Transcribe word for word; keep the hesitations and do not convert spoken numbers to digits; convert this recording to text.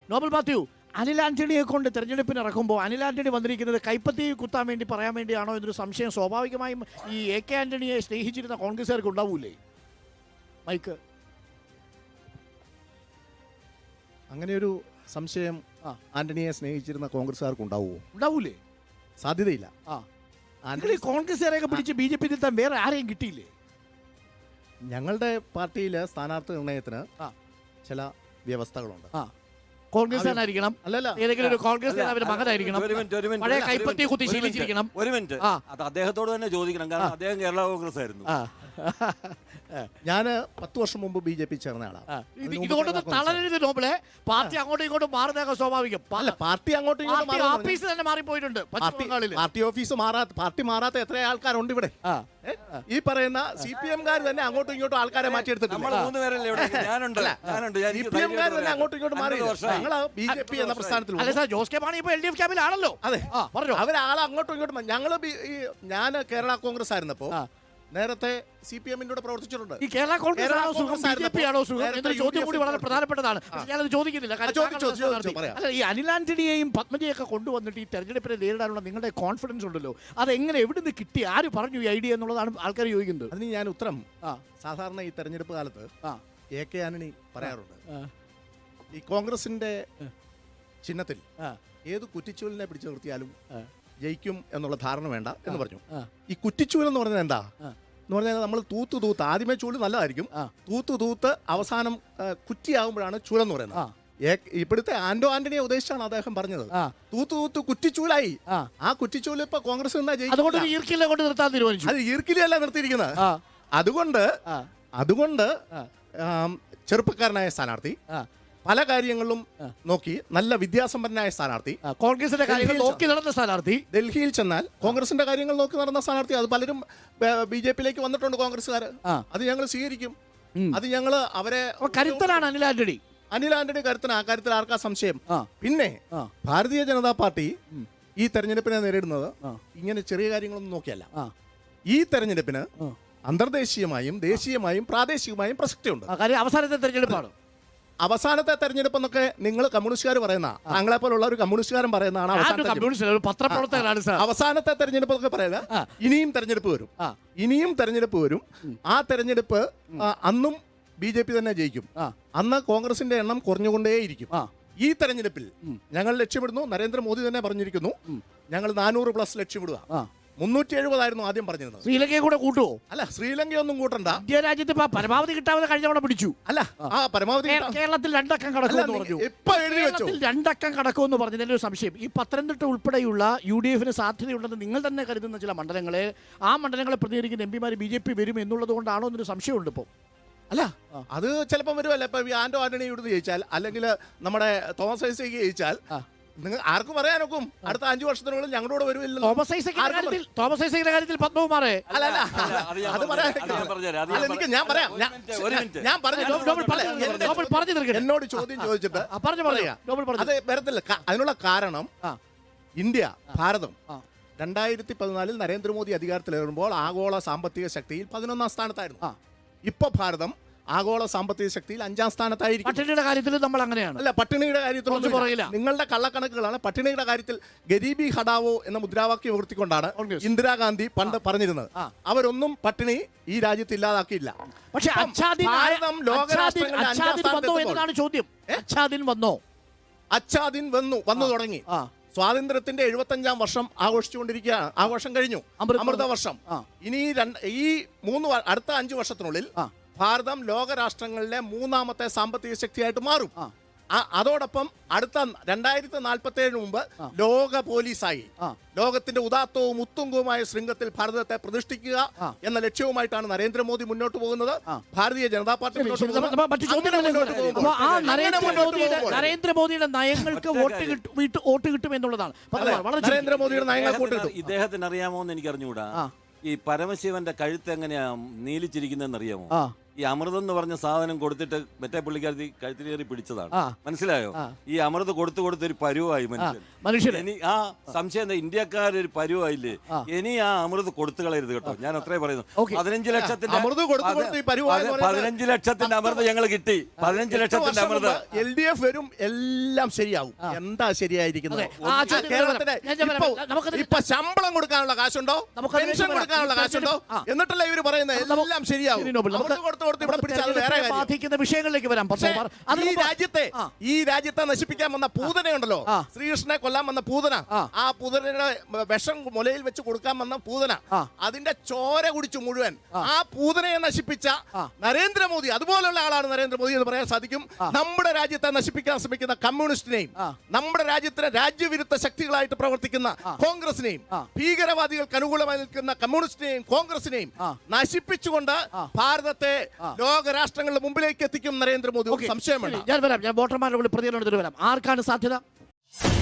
Nobel Mathew, Anil ആന്റണിയെ കൊണ്ട് തെരഞ്ഞെടുപ്പിന് ഇറക്കുമ്പോൾ അനിൽ ആന്റണി വന്നിരിക്കുന്നത് കൈപ്പത്തി കുത്താൻ വേണ്ടി പറയാൻ വേണ്ടിയാണോ എന്നൊരു സംശയം സ്വാഭാവികമായും ഈ എ കെ ആന്റണിയെ സ്നേഹിച്ചിരുന്ന കോൺഗ്രസ്സുകാർക്ക് ഉണ്ടാവൂലേ? മൈക്ക് അങ്ങനെയൊരു സംശയം ആന്റണിയെ സ്നേഹിച്ചിരുന്ന കോൺഗ്രസ്സുകാർക്ക് ഉണ്ടാവുമോ? ഉണ്ടാവൂലേ? സാധ്യതയില്ല. ആ ആന്റണി കോൺഗ്രസ്സുകാരെയൊക്കെ പിടിച്ച് ബി ജെ പി നിർത്താൻ വേറെ ആരെയും കിട്ടിയില്ലേ? ഞങ്ങളുടെ പാർട്ടിയിലെ സ്ഥാനാർത്ഥി നിർണയത്തിന് ചില വ്യവസ്ഥകളുണ്ട്. ആ കോൺഗ്രസ്സുകാരനായിരിക്കണം, അല്ലല്ല ഏതെങ്കിലും ഒരു കോൺഗ്രസ് നേതാവിന്റെ മകനായിരിക്കണം, പഴയ കൈപ്പത്തി കുത്തി ശീലിച്ചിരിക്കണം. ഒരു മിനിറ്റ്, അത് അദ്ദേഹത്തോട് തന്നെ ചോദിക്കണം, കാരണം അദ്ദേഹം കേരള കോൺഗ്രസ് ആയിരുന്നു. ഞാന് പത്ത് വർഷം മുമ്പ് ബി ജെ പി ചേർന്ന ആളാണ്. ഇതുകൊണ്ടൊന്നും തളരരുത് നോബിളെ. പാർട്ടി അങ്ങോട്ടും ഇങ്ങോട്ടും മാറുന്നതൊക്കെ സ്വാഭാവികം. അല്ല, പാർട്ടി അങ്ങോട്ടും ഇങ്ങോട്ടും ഓഫീസ് തന്നെ മാറിപ്പോയിട്ടുണ്ട്. പാർട്ടി ഓഫീസ് മാറാത്ത പാർട്ടി മാറാത്ത എത്ര ആൾക്കാരുണ്ട് ഇവിടെ? ഈ പറയുന്ന സി പി എംകാർ തന്നെ അങ്ങോട്ടും ഇങ്ങോട്ടും ആൾക്കാരെ മാറ്റിയെടുത്തിട്ടുണ്ട്. സി പി എംകാർ തന്നെ അങ്ങോട്ടും ഇങ്ങോട്ടും മാറി. ഞങ്ങൾ ബി ജെ പി എന്ന പ്രസ്ഥാനത്തിൽ ജോസ് കെ മാണി ഇപ്പൊ എൽ ഡി എഫ് ക്യാമ്പിലാണല്ലോ. അതെ, അവരാളെ അങ്ങോട്ടും ഇങ്ങോട്ടും. ഞങ്ങള് ഞാൻ കേരള കോൺഗ്രസ് ആയിരുന്നപ്പോ നേരത്തെ സി പി എമ്മിന്റെ കൂടെ പ്രവർത്തിച്ചിട്ടുണ്ട്. ഈ കേരള കോൺഗ്രസ് ആണോ സുഖം, ബി ജെ പി ആണോ സുഖം എന്നൊരു ചോദ്യം കൂടി വളരെ പ്രധാനപ്പെട്ടതാണ്. ഞാനത് ചോദിക്കുന്നില്ല. അല്ല, ഈ അനിൽ ആന്റണിയെയും പത്മജയൊക്കെ കൊണ്ടുവന്നിട്ട് ഈ തെരഞ്ഞെടുപ്പിനെ നേരിടാനുള്ള നിങ്ങളുടെ കോൺഫിഡൻസ് ഉണ്ടല്ലോ, അതെങ്ങനെ എവിടുന്ന് കിട്ടി, ആര് പറഞ്ഞു ഈ ഐഡിയ എന്നുള്ളതാണ് ആൾക്കാർ ചോദിക്കുന്നത്. അതിന് ഞാൻ ഉത്തരം, സാധാരണ ഈ തെരഞ്ഞെടുപ്പ് കാലത്ത് എ കെ ആന്റണി പറയാറുണ്ട്, ഈ കോൺഗ്രസിന്റെ ചിഹ്നത്തിൽ ഏത് കുറ്റിച്ചൂലിനെ പിടിച്ചു നിർത്തിയാലും ജയിക്കും എന്നുള്ള ധാരണ വേണ്ട എന്ന് പറഞ്ഞു. ഈ കുറ്റിച്ചൂൽ എന്ന് പറഞ്ഞാൽ എന്താ എന്ന് പറഞ്ഞാൽ, നമ്മൾ തൂത്ത് തൂത്ത് ആദ്യമേ ചൂല് നല്ലതായിരിക്കും, തൂത്ത് തൂത്ത് അവസാനം കുറ്റിയാകുമ്പോഴാണ് ചൂലെന്ന് പറയുന്നത്. ഇപ്പോഴത്തെ ആന്റോ ആന്റണിയെ ഉദ്ദേശിച്ചാണ് അദ്ദേഹം പറഞ്ഞത്. തൂത്ത് തൂത്ത് കുറ്റിച്ചൂലായി. ആ കുറ്റിച്ചൂല് ഇപ്പൊ കോൺഗ്രസ് അത് ഈർക്കിലല്ല നിർത്തിയിരിക്കുന്നത്. അതുകൊണ്ട് അതുകൊണ്ട് ചെറുപ്പക്കാരനായ സ്ഥാനാർത്ഥി, പല കാര്യങ്ങളിലും നോക്കി നല്ല വിദ്യാസമ്പന്നനായ സ്ഥാനാർത്ഥി, കോൺഗ്രസിന്റെ കാര്യങ്ങൾ നോക്കി നടന്ന സ്ഥാനാർത്ഥി, ഡൽഹിയിൽ ചെന്നാൽ കോൺഗ്രസിന്റെ കാര്യങ്ങൾ നോക്കി നടന്ന സ്ഥാനാർത്ഥി. അത് പലരും ബി ജെ പിയിലേക്ക് വന്നിട്ടുണ്ട് കോൺഗ്രസ്സുകാർ. അത് ഞങ്ങൾ സ്വീകരിക്കും. അത് ഞങ്ങൾ അവരെ കരുത്തനാണ് അനിൽ ആന്റണി. അനിൽ ആന്റണി കരുത്തന, ആ കാര്യത്തിൽ ആർക്കാ സംശയം? പിന്നെ ഭാരതീയ ജനതാ പാർട്ടി ഈ തെരഞ്ഞെടുപ്പിനെ നേരിടുന്നത് ഇങ്ങനെ ചെറിയ കാര്യങ്ങളൊന്നും നോക്കിയല്ല. ഈ തെരഞ്ഞെടുപ്പിന് അന്തർദേശീയമായും ദേശീയമായും പ്രാദേശികമായും പ്രസക്തിയുണ്ട്. അവസാനത്തെ തെരഞ്ഞെടുപ്പാണ്. അവസാനത്തെ തെരഞ്ഞെടുപ്പ് എന്നൊക്കെ നിങ്ങൾ കമ്മ്യൂണിസ്റ്റുകാർ പറയുന്ന, താങ്കളെ പോലുള്ള ഒരു കമ്മ്യൂണിസ്റ്റുകാരൻ പറയുന്നതാണ് അവസാനത്തെ തെരഞ്ഞെടുപ്പ് എന്നൊക്കെ പറയുക. ഇനിയും തെരഞ്ഞെടുപ്പ് വരും, ഇനിയും തെരഞ്ഞെടുപ്പ് വരും. ആ തെരഞ്ഞെടുപ്പ് അന്നും ബി ജെ പി തന്നെ ജയിക്കും. അന്ന് കോൺഗ്രസിന്റെ എണ്ണം കുറഞ്ഞുകൊണ്ടേയിരിക്കും. ഈ തെരഞ്ഞെടുപ്പിൽ ഞങ്ങൾ ലക്ഷ്യമിടുന്നു, നരേന്ദ്രമോദി തന്നെ പറഞ്ഞിരിക്കുന്നു, ഞങ്ങൾ നാനൂറ് പ്ലസ് ലക്ഷ്യമിടുക. മുന്നൂറ്റി എഴുപതായിരുന്നു ആദ്യം പറഞ്ഞിരുന്നത്. ശ്രീലങ്കയെ കൂടെ കൂട്ടുവോ? അല്ല, ശ്രീലങ്കയൊന്നും കൂട്ടണ്ട. ഇന്ത്യ രാജ്യത്ത് പരമാവധി കിട്ടാവുന്ന കഴിഞ്ഞ തവണ പിടിച്ചു. അല്ല, ആ പരമാവധി കേരളത്തിൽ രണ്ടക്കം കടക്കുമെന്ന് പറഞ്ഞു. കേരളത്തിൽ രണ്ടക്കം കടക്കുമെന്ന് പറഞ്ഞതിന്റെ ഒരു സംശയം, ഈ പത്തനംതിട്ട ഉൾപ്പെടെയുള്ള യു ഡി എഫിന് സാധ്യതയുണ്ടെന്ന് നിങ്ങൾ തന്നെ കരുതുന്ന ചില മണ്ഡലങ്ങളെ, ആ മണ്ഡലങ്ങളെ പ്രതിനിധീകരിക്കുന്ന എം പിമാർ ബി ജെ പി വരും എന്നുള്ളത് കൊണ്ടാണോ എന്നൊരു സംശയമുണ്ട് ഇപ്പോൾ. അല്ല, അത് ചിലപ്പം വരുമല്ല. ഇപ്പൊ ആന്റോ ആന്റണി ഇവിടുന്ന് ജയിച്ചാൽ, അല്ലെങ്കിൽ നമ്മുടെ തോമസ് ഐസക് ജയിച്ചാൽ, നിങ്ങൾ ആർക്കും പറയാനൊക്കും അടുത്ത അഞ്ചു വർഷത്തിനുള്ളിൽ ഞങ്ങളോട് വരുമില്ലല്ലോ. തോമസ് ഐസക്കിന്റെ കാര്യത്തിൽ പത്മകുമാറേ, അല്ല അല്ല അത് പറയാൻ ഞാൻ പറയാം. ഞാൻ പറഞ്ഞു, എന്നോട് ചോദ്യം ചോദിച്ചിട്ട് അത് വരത്തില്ല. അതിനുള്ള കാരണം, ഇന്ത്യ ഭാരതം രണ്ടായിരത്തി പതിനാലിൽ നരേന്ദ്രമോദി അധികാരത്തിലേറുമ്പോൾ ആഗോള സാമ്പത്തിക ശക്തിയിൽ പതിനൊന്നാം സ്ഥാനത്തായിരുന്നു. ഇപ്പൊ ഭാരതം ആഗോള സാമ്പത്തിക ശക്തിയിൽ അഞ്ചാം സ്ഥാനത്തായിരിക്കും. പട്ടിണിയുടെ കാര്യത്തിൽ നമ്മൾ അങ്ങനെയാണ്. അല്ല, പട്ടിണിയുടെ കാര്യത്തിൽ നിങ്ങളുടെ കള്ളക്കണക്കുകളാണ്. പട്ടിണിയുടെ കാര്യത്തിൽ ഗരീബി ഹടാവോ എന്ന മുദ്രാവാക്യം ഉയർത്തിക്കൊണ്ടാണ് ഇന്ദിരാഗാന്ധി പണ്ട് പറഞ്ഞിരുന്നത്. അവരൊന്നും പട്ടിണി ഈ രാജ്യത്ത് ഇല്ലാതാക്കിയില്ല. പക്ഷേ ഭാരതം ലോകരാഷ്ട്രങ്ങളുടെ അഞ്ചാം സ്ഥാനത്താണ് ചോദ്യം. അച്ഛാദിൻ വന്നോ? അച്ഛാദിൻ വന്നു വന്നു തുടങ്ങി. സ്വാതന്ത്ര്യത്തിന്റെ എഴുപത്തി അഞ്ചാം വർഷം ആഘോഷിച്ചുകൊണ്ടിരിക്കുകയാണ്. ആഘോഷം കഴിഞ്ഞു, അമൃത വർഷം. ഇനി ഈ മൂന്ന് അടുത്ത അഞ്ചു വർഷത്തിനുള്ളിൽ ഭാരതം ലോകരാഷ്ട്രങ്ങളിലെ മൂന്നാമത്തെ സാമ്പത്തിക ശക്തിയായിട്ട് മാറും. അതോടൊപ്പം അടുത്ത രണ്ടായിരത്തി നാൽപ്പത്തി ഏഴിന് മുമ്പ് ലോക പോലീസായി ലോകത്തിന്റെ ഉദാത്തവും ഉത്തുംഗവുമായ ശൃംഖത്തിൽ ഭാരതത്തെ പ്രതിഷ്ഠിക്കുക എന്ന ലക്ഷ്യവുമായിട്ടാണ് നരേന്ദ്രമോദി മുന്നോട്ട് പോകുന്നത്. ഭാരതീയ ജനതാ പാർട്ടി നരേന്ദ്രമോദിയുടെ നയങ്ങൾക്ക് വോട്ട് കിട്ടും എന്നുള്ളതാണ്. നരേന്ദ്രമോദിയുടെ നയങ്ങൾക്ക് വോട്ട് കിട്ടും. ഇദ്ദേഹത്തിന് അറിയാമോ എന്ന് എനിക്ക് അറിഞ്ഞുകൂടാ. ഈ പരമശിവന്റെ കഴുത്ത് എങ്ങനെയാ നീലിച്ചിരിക്കുന്നതെന്ന് അറിയാമോ? ഈ അമൃതം എന്ന് പറഞ്ഞ സാധനം കൊടുത്തിട്ട് മറ്റേ പുള്ളിക്കാരി കഴുത്തിലേറി പിടിച്ചതാണ്. ആ. മനസ്സിലായോ? ആ. ഈ അമൃത് കൊടുത്തു കൊടുത്തൊരു പരുവായി മനുഷ്യൻ. മനുഷ്യന് ഇനി ആ സംശയം എന്താ, ഇന്ത്യക്കാരൊരു പരുവായില്ലേ? ഇനി ആ അമൃത് കൊടുത്തു കളയരുത് കേട്ടോ. ഞാൻ അത്രേ പറയുന്നു. ഓക്കേ. പതിനഞ്ച് ലക്ഷത്തിന്റെ അമൃത് കൊടുത്ത് കൊടുത്ത് ഈ പരുവായി എന്ന് പറയുന്നത് പതിനഞ്ച് ലക്ഷത്തിന്റെ അമൃത് ഞങ്ങൾ കിട്ടി. പതിനഞ്ച് ലക്ഷത്തിന്റെ അമൃത് എൽ ഡി എഫ് വരും, എല്ലാം ശരിയാവും. എന്താ ശരിയായിരിക്കുന്നത്? ആ, ചോദ്യം കേരളത്തിന് ഞാൻ- ഞാൻ ഇപ്പൊ- പറയാം. നമുക്കത് ഇപ്പൊ ശമ്പളം കൊടുക്കാനുള്ള കാശുണ്ടോ? നമുക്കത് പെൻഷൻ പറയാം. കൊടുക്കാനുള്ള കാശുണ്ടോ? ആ. എന്നിട്ടല്ല ഇവര് പറയുന്നത് എല്ലാം ശരിയാവും. ശരി, നോബൽ. നമുക്ക് അമൃത് കൊടുത്ത് കൊടുത്ത് ഇവിടെ പിടിച്ചാൽ അത് വേറെ തെരഞ്ഞെടുപ്പിനെ കാര്യം. ബാധിക്കുന്ന വിഷയങ്ങളിലേക്ക് വരാം. പക്ഷേ പത്മകുമാർ, അതിന് ഈ മുമ്പ് രാജ്യത്തെ ആ. ഈ രാജ്യത്തെ നശിപ്പിക്കാൻ വന്ന പൂതനയുണ്ടല്ലോ, ആ. ശ്രീകൃഷ്ണനെ കൊല്ലാൻ വന്ന പൂതന, ആ. ആ പൂതനയുടെ വിഷം മുലയിൽ വെച്ച് കൊടുക്കാൻ വന്ന പൂതന, ആ. അതിന്റെ ചോര കുടിച്ചു മുഴുവൻ ആ. ആ പൂതനയെ നശിപ്പിച്ച ആ. നരേന്ദ്രമോദി, അതുപോലുള്ള ആളാണ് നരേന്ദ്രമോദി എന്ന് പറയാൻ സാധിക്കും. നമ്മുടെ രാജ്യത്തെ നശിപ്പിക്കാൻ ശ്രമിക്കുന്ന കമ്മ്യൂണിസ്റ്റിനെയും ആ. നമ്മുടെ രാജ്യത്തിലെ രാജ്യവിരുദ്ധ ശക്തികളായിട്ട് പ്രവർത്തിക്കുന്ന കോൺഗ്രസിനെയും ആ. ഭീകരവാദികൾക്ക് അനുകൂലമായി നിൽക്കുന്ന കമ്മ്യൂണിസ്റ്റിനെയും കോൺഗ്രസിനെയും ആ. നശിപ്പിച്ചുകൊണ്ട് ഭാരതത്തെ ലോകരാഷ്ട്രങ്ങളുടെ മുമ്പിലേക്ക് എത്തിക്കും നരേന്ദ്രമോദി. ഒരു സംശയം വേണ്ട. ഞാൻ വരാം. ഞാൻ വോട്ടർമാരുടെ കൂടി പ്രതികരണം എടുത്തിട്ട് വരാം. ആർക്കാണ് സാധ്യത?